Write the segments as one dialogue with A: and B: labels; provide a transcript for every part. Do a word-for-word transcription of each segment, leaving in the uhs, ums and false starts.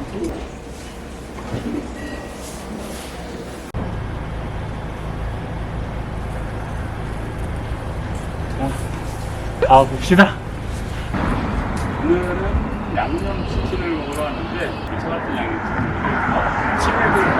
A: 가봅시다. 오늘은 양념치킨을 먹으러 왔는데 저 같은 양념치킨 칠백을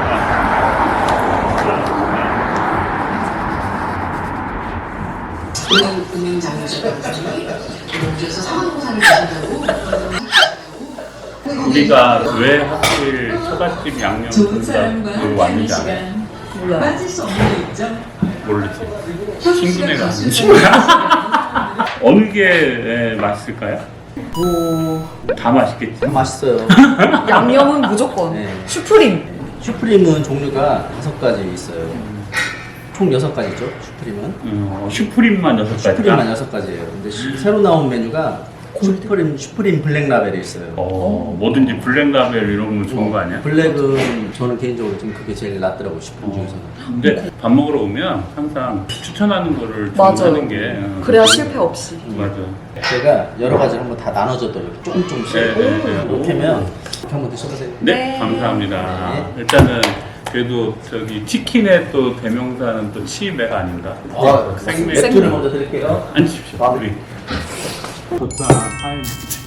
B: 은행장에서 상환공사를 주신다고.
A: 우리가 왜 하필 처갓집 양념 돈가스 왔는지 알아요?
B: 몰라. 빠질 수 없는 게 있죠.
A: 모르지. 친구네가 아닌지. 어느 게 맛있을까요?
C: 뭐,
A: 다 맛있겠지.
C: 맛있어요.
D: 양념은 무조건.
C: 네.
D: 슈프림.
C: 슈프림은 종류가 다섯 가지 있어요. 총 여섯 가지죠, 슈프림은.
A: 음, 슈프림만 여섯 가지가?
C: 슈프림만 여섯 가지예요. 근데 시- 새로 나온 메뉴가 슈프림, 슈프림 블랙 라벨이 있어요.
A: 어, 뭐든지 블랙라벨 이런 거 좋은 거 아니야?
C: 블랙은 저는 개인적으로 좀 그게 제일 낫더라고요, 슈프림 중에서는.
A: 근데 밥 먹으러 오면 항상 추천하는 거를
D: 맞아요.
A: 주문하는 게 어,
D: 그래야 실패 없이.
A: 맞아.
C: 제가 여러 가지를 한번 다 나눠줘도 이렇게 조금 조금씩
A: 네, 네, 네.
C: 이렇게 하면 이렇게 한번 드셔보세요.
A: 네,
D: 네.
A: 감사합니다.
C: 네.
A: 일단은 그래도 저기 치킨의 또 대명사는 또 치맥 아닌가?
C: 아,
A: 생맥.
C: 맥주를 먼저 드릴게요.
A: 앉으십시오.
C: 아.
A: 우리. 좋다. 타임.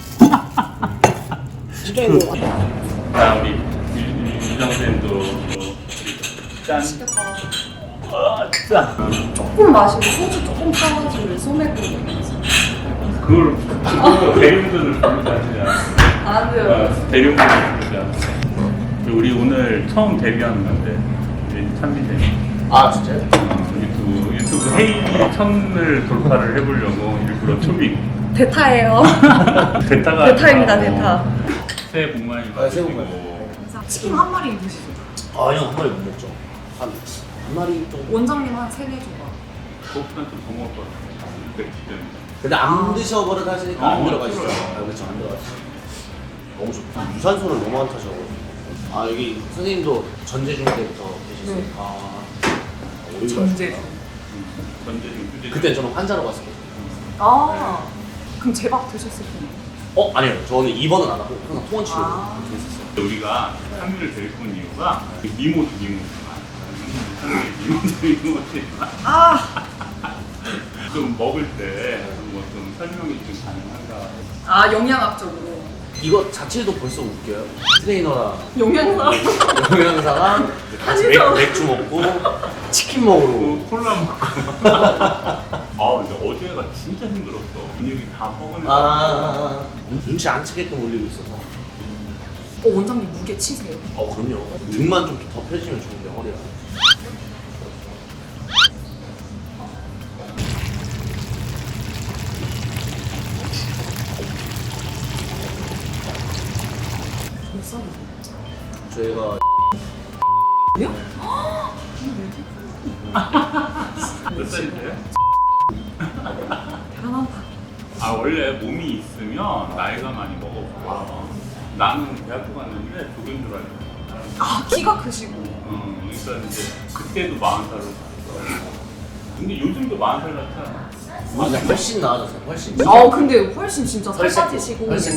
A: 자, 우리 유정쌤도 짠. 아, 짠.
D: 조금 마시고 소주 조금 타가지고 소맥으로 먹으면서.
A: 그걸 그거 대리운전을 부르지 않냐?
D: 아니요.
A: 어, 대리운전을 부르자. 우리 오늘 처음 데뷔하는 건데 우리 찬미쌤.
C: 아, 진짜요?
A: 어, 유튜브 유튜브 헤이 천을 돌파를 해보려고 일부러 초빙.
D: 대타예요.
A: 대타가
D: 대타입니다,
A: 아니라
D: 대타.
A: 뭐 새해 복 많이
C: 아, 새해 복
A: 받으시고.
E: 치킨 한 마리 드시죠.
C: 아, 형 한 마리 못 먹죠. 한, 한 마리 정도.
E: 원장님 한 세네 조각.
A: 그것보다 좀더 먹을 것 같아. 맥주 때문에.
C: 근데 안 드셔버릇 하시니까 안
A: 어,
C: 들어가시죠.
A: 그래요.
C: 아, 그렇죠, 안 들어가시죠. 너무 좋다. 유산소를 너무 안 타셔가지고. 아, 여기 선생님도 전제중 때부터 계셨어요?
E: 네.
C: 아, 오히려
E: 전제.
A: 전제중 휴제.
C: 그때 저는 환자로 갔었거든요.
E: 아, 그럼 제밥 드셨을 텐데.
C: 어? 아니요. 저는 입원은 안 하고 항상 통원 치료
E: 아.
C: 했었어요.
A: 우리가 상미를 데리고 온 이유가 미모도 미모지만 상미 미모도 미모지만
E: 아,
A: 좀 먹을 때 뭐 좀 설명이 좀 가능한가?
E: 아 영양학적으로.
C: 이거 자체도 벌써 웃겨요. 트레이너랑
E: 영양사.
C: 영양사가 같이 맥,
E: 한의사.
C: 맥주 먹고 치킨 먹으러
A: 그 콜라 먹고. 아 근데 어제가 진짜 힘들었어. 근육이 다 뻐근해.
C: 아, 눈치 안 채게끔 올리고 있어서.
E: 어, 원장님 무게 치세요.
C: 어, 그럼요. 등만 좀 더 펴지면 좋은데, 허리가.
E: 몇 살이세요?
C: 저희가
A: 몇 살인데요?
E: 대단하다.
A: 아 원래 몸이 있으면 나이가 많이 먹어서 나는 대학교 갔는데 독인 줄 알고.
E: 아, 키가 크시고.
A: 어, 그러니까 이제 그때도 마흔 살로 갔어. 근데 요즘도 마흔 살 같아.
C: 맞아, 훨씬 나아졌어요, 훨씬.
E: 아, 근데 훨씬 진짜 살
C: 훨씬
E: 빠지시고.
C: 훨씬.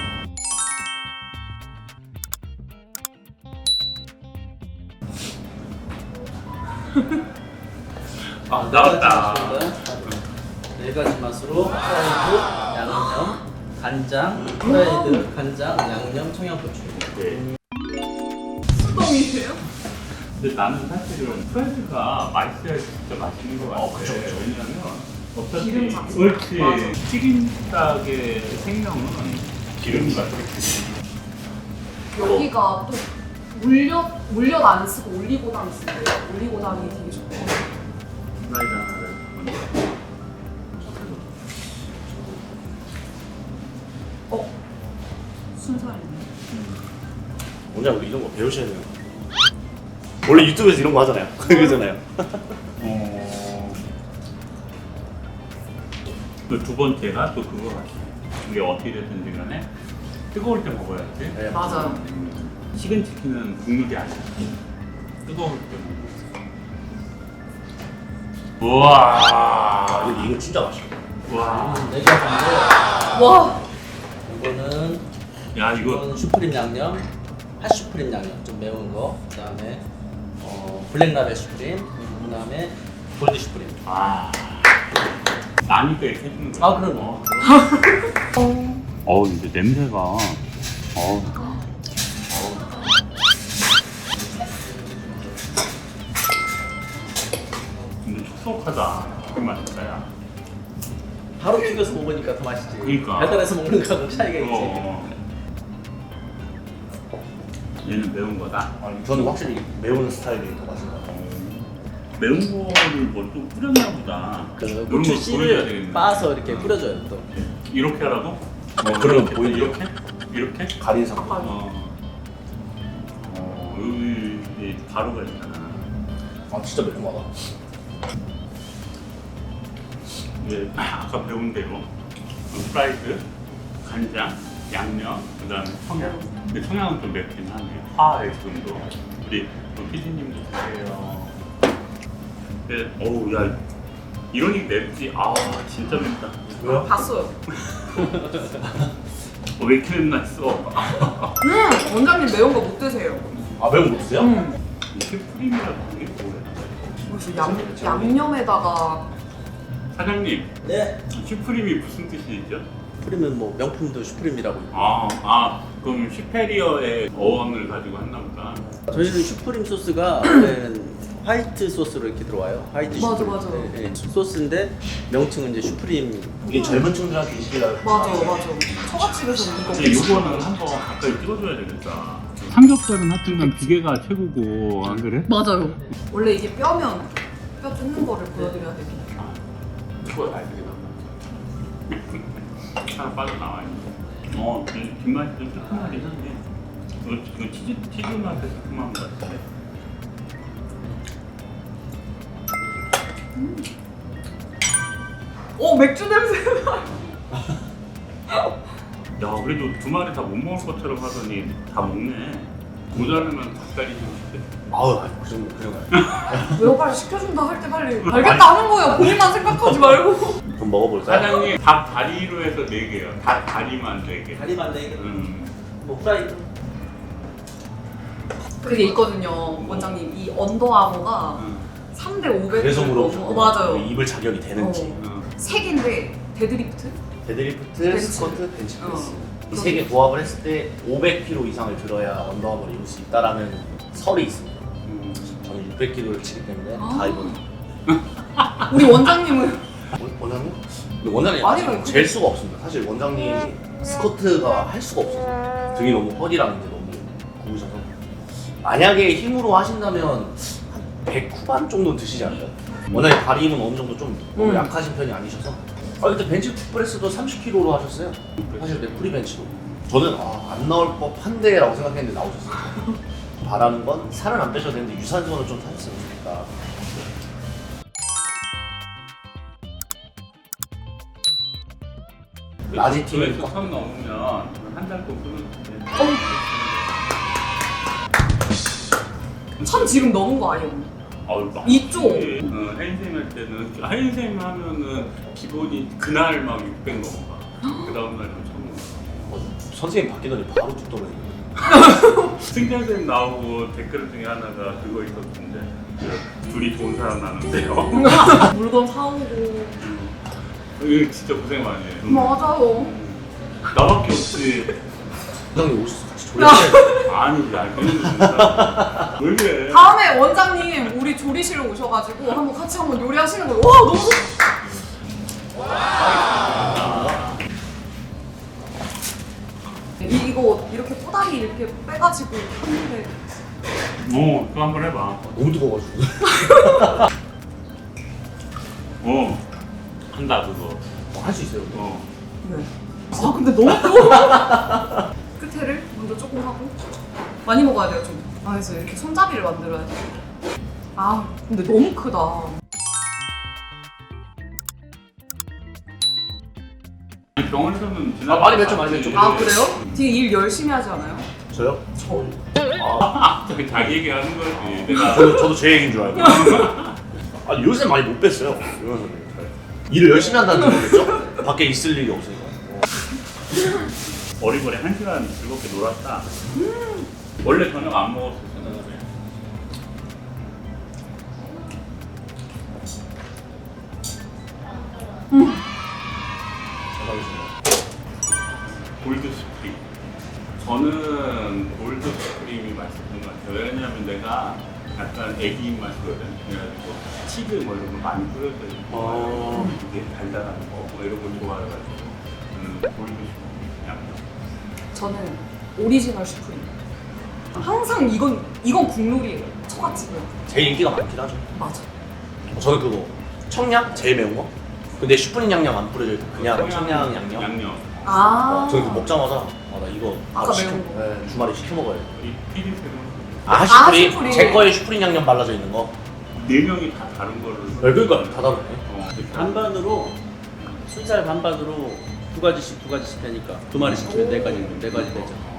A: 아 나왔다.
C: 네 가지 맛으로 프라이드, 양념, 간장, 프라이드, 간장, 양념, 청양고추.
A: 네.
E: 수동이세요?
A: 근데 나는 사실은 프라이드가 맛있어야 진짜 맛있는 것 같아.
C: 어, 그쵸, 그쵸.
A: 왜냐면 어차피
E: 기름 자체.
A: 그렇지
E: 맞아.
A: 튀김닭의 생명은 기름 같아.
E: 여기가 또 물엿 물엿 안 쓰고 올리고당 쓰고 올리고당이 되게 좋고.
A: 프라이드 하나를 먼저.
E: 어, 순살이네.
F: 원장 우리 이런 거 배우셔야 돼요. 원래 유튜브에서 이런 거 하잖아요. 그러잖아요.
A: 어. 그 두 번째가 또 그거 같아. 이게 어떻게 됐든지 간에 뜨거울 때 먹어야지.
E: 맞아요.
A: 식은 치킨은 국물이 아니야. 뜨거울 때 먹어. 우와.
F: 아, 이거, 이거 진짜 맛있어.
A: 와.
C: 네 가지인데
E: 와,
C: 이거는
A: 야 이거
C: 이건 슈프림 양념, 핫슈프림 양념 좀 매운 거, 그다음에 어, 블랙라벨 슈프림, 그다음에 골드 슈프림.
A: 아, 나니까 이렇게 해주는 거야.
C: 아 그럼.
A: 어, 근데 냄새가. 어. 근데 촉촉하다. 그 맛있다, 야.
C: 바로 튀겨서 먹으니까 더 맛있지.
A: 그러니까.
C: 달달해서 먹는 거하고 차이가 있지.
A: 어. 얘는 매운 거다.
F: 아니, 저는 확실히 매운 스타일이 더 맛있는 것 같아요.
A: 매운 거를 뭐 또 뿌렸나 보다.
C: 그
A: 이런
C: 고추
A: 거 보여줘야
C: 씨를
A: 되겠네.
C: 빻아서 이렇게 뿌려줘요 또.
A: 이렇게 하라고?
F: 어, 그러면 보이죠?
A: 이렇게? 이렇게?
F: 가린 상태.
A: 어. 어, 여기 이제 가루가 있잖아.
F: 아 진짜 매콤하다.
A: 이제 아까 배운 대로 프라이드, 간장, 양념, 그 다음에 청양. 근데 청양은 좀 맵긴 하네. 화의 정도. 우리 또 피디님도 드세요. 근데 어우 야 이러니 맵지. 아 진짜 맵다.
F: 왜요?
E: 봤어요.
A: 어, 왜 이렇게 맵나 했어.
E: 음 원장님 매운 거 못 드세요.
F: 아 매운 거 드세요?
E: 음
A: 이게 프림이라고 이게 뭐야?
E: 그래서 양 양념에다가
A: 사장님
C: 네.
A: 슈프림이 무슨 뜻이죠?
C: 슈프림은 뭐 명품도 슈프림이라고.
A: 아, 아 그럼 슈페리어의 어원을 가지고 했나 보다.
C: 저희는 슈프림 소스가 원래는 화이트 소스로 이렇게 들어와요. 화이트
E: 맞아,
C: 슈프림.
E: 맞아.
C: 네, 네. 소스인데 명칭은 이제 슈프림.
F: 이게 젊은 층들한테 인식이라.
E: 맞아 맞아. 처갓집에서는 이거
A: 근데 이거는 한번 가까이 찍어줘야 되겠다. 삼겹살은 하여튼간 비계가 최고고 안 그래?
E: 맞아요. 원래 이게 뼈면 뼈 뜯는 거를 보여드려야 되긴 해.
A: 이거 잘 되겠다. 하나 빠져나와 있네. 어, 뒷- 뒷맛이 좀 새콤하긴 한데 이거, 이거 치즈, 치즈 맛의 새콤한 것 같은데.
E: 오 맥주 냄새.
A: 야, 그래도 두 마리 다 못 먹을 것처럼 하더니 다 먹네. 모자르면 닭다리 좀 시켜.
F: 아우 아니 그 정도 그냥 가요.
E: 왜요? 빨리 시켜준다 할 때 빨리 알겠다 하는 거예요. 본인만 생각하지 말고.
F: 좀 먹어볼까요?
A: 사장님, 닭 다리로 해서 네 개요. 닭 다리만 네 개.
C: 다리만 네 개.
A: 음.
C: 뭐 프라이드.
E: 그게 있거든요. 원장님 이 언더아머가
A: 음.
E: 삼 대 오백.
F: 그래서 물어보죠.
E: 어, 맞아요.
F: 입을 자격이 되는지.
E: 어.
A: 음.
E: 세 개인데 데드리프트?
F: 데드리프트,
E: 벤치.
F: 스쿼트, 벤치프레스.
E: 어.
F: 이 세 개 조합을 했을 때 오백 킬로그램 이상을 들어야 언더아머를 입을 수 있다라는 설이 있습니다.
A: 음.
F: 저는 육백 킬로그램을 치기 때문에
E: 아.
F: 다 입어요.
E: 우리 원장님은
F: 원- 원장님? 근데 원장님
E: 아니요,
F: 아직
E: 그게-
F: 잴 수가 없습니다. 사실 원장님이 스쿼트가 할 수가 없어서 등이 너무 허리랑 이제 너무 구우셔서 만약에 힘으로 하신다면 한 백 후반 정도는 드시지 않을까요? 원장님 다리 힘은 어느 정도 좀 너무
E: 음.
F: 약하신 편이 아니셔서 아 그때 벤치프레스도 삼십 킬로그램로 하셨어요. 사실 내 프리벤치로 저는 아, 안 나올 법한데 라고 생각했는데 나오셨어요. 바라는 건 살은 안 빼셔도 되는데 유산소는 좀 타셨으면 좋겠다. 라지 팀을
A: 조회수 천 넘으면 한 달 거 끊어줄게.
E: 천 지금 넘은 거 아니에요?
A: 어우, 막
E: 이쪽.
A: 어, 헬인쌤 할 때는 헬인쌤 하면은 기본이 그날 막 육백 넘어가. 그 다음 날은 천 넘어가.
F: 어, 선생님 바뀌더니 바로 뚝 떨어지네.
A: 승자쌤 나오고 댓글 중에 하나가 그거 있었는데 둘이 좋은 사람 나는데요.
E: 물건 사오고.
A: 이거 진짜 고생 많이 해.
E: 맞아요.
A: 나밖에 없지.
F: 원장님 오셔서 같이 조리하세요.
A: 아니, 야, 그런 거 진짜. 왜 그래?
E: 다음에 원장님 우리 조리실 오셔가지고 한번 같이 한번 요리하시는 거예요. 와 너무 좋. 이- 이거 이렇게 꼬다리 이렇게 빼가지고 하는데
A: 어, 또 한 번 해봐.
F: 너무 뜨거워가지고.
A: 어, 한다 그거.
F: 할 수 있어요.
A: 어.
E: 네. 아 근데 너무 뜨거워. 끝에를 먼저 조금 하고 많이 먹어야 돼요 좀. 아 그래서 이렇게 손잡이를 만들어야 돼. 아 근데 너무 크다.
A: 아니, 병원에서는
F: 아, 많이 맵죠, 많이 맵죠.
E: 아 그래요? 되게 일 열심히 하지 않아요?
F: 저요?
E: 저.
A: 자기 자기 얘기하는 거지. 내가
F: 저도, 저도 제 얘기인 줄 알고. 아니 요새 많이 못 뺐어요. 이러면서 일을 열심히 한다는 거겠죠? 밖에 있을 일이 없으니까.
A: 어리버리 한 시간 즐겁게 놀았다. 음. 원래 저녁 안 먹었었잖아요. 골드 스프링. 저는 골드 스프링이 맛있었던 것 같아요. 왜냐면 내가 약간 애기 입맛이거든. 그래가지고 치즈 뭐 이런 거 많이 뿌려져 있고
F: 어.
A: 이게 달달한 거 뭐 이런 걸 좋아해가지고 저는 골드 스프링 양념.
E: 저는 오리지널 슈프림. 항상 이건 이건 국룰이에요. 처갓집은.
F: 제일 인기가 많긴 하죠.
E: 맞아.
F: 저는 그거 청양 제일 매운 거. 근데 슈프림 양념 안 뿌려져 있고 그냥 청양 양념.
A: 양념.
E: 아.
F: 어, 저는 그거 먹자마자 아, 나 이거
E: 아까
F: 바로 시켜,
E: 매운 거.
F: 네, 주말에 시켜 먹어야 돼.
A: 우리 피디님은
F: 아 슈프림?
E: 슈프림.
F: 제 거에 슈프림 양념 발라져 있는 거.
A: 네 명이 다 다른 거를.
F: 네, 그러니까 다 다르네.
A: 어,
G: 반반으로 순살 반반으로 두 가지씩 두 가지씩 되니까 두 마리씩 주면 네 가지 네 가지 되죠.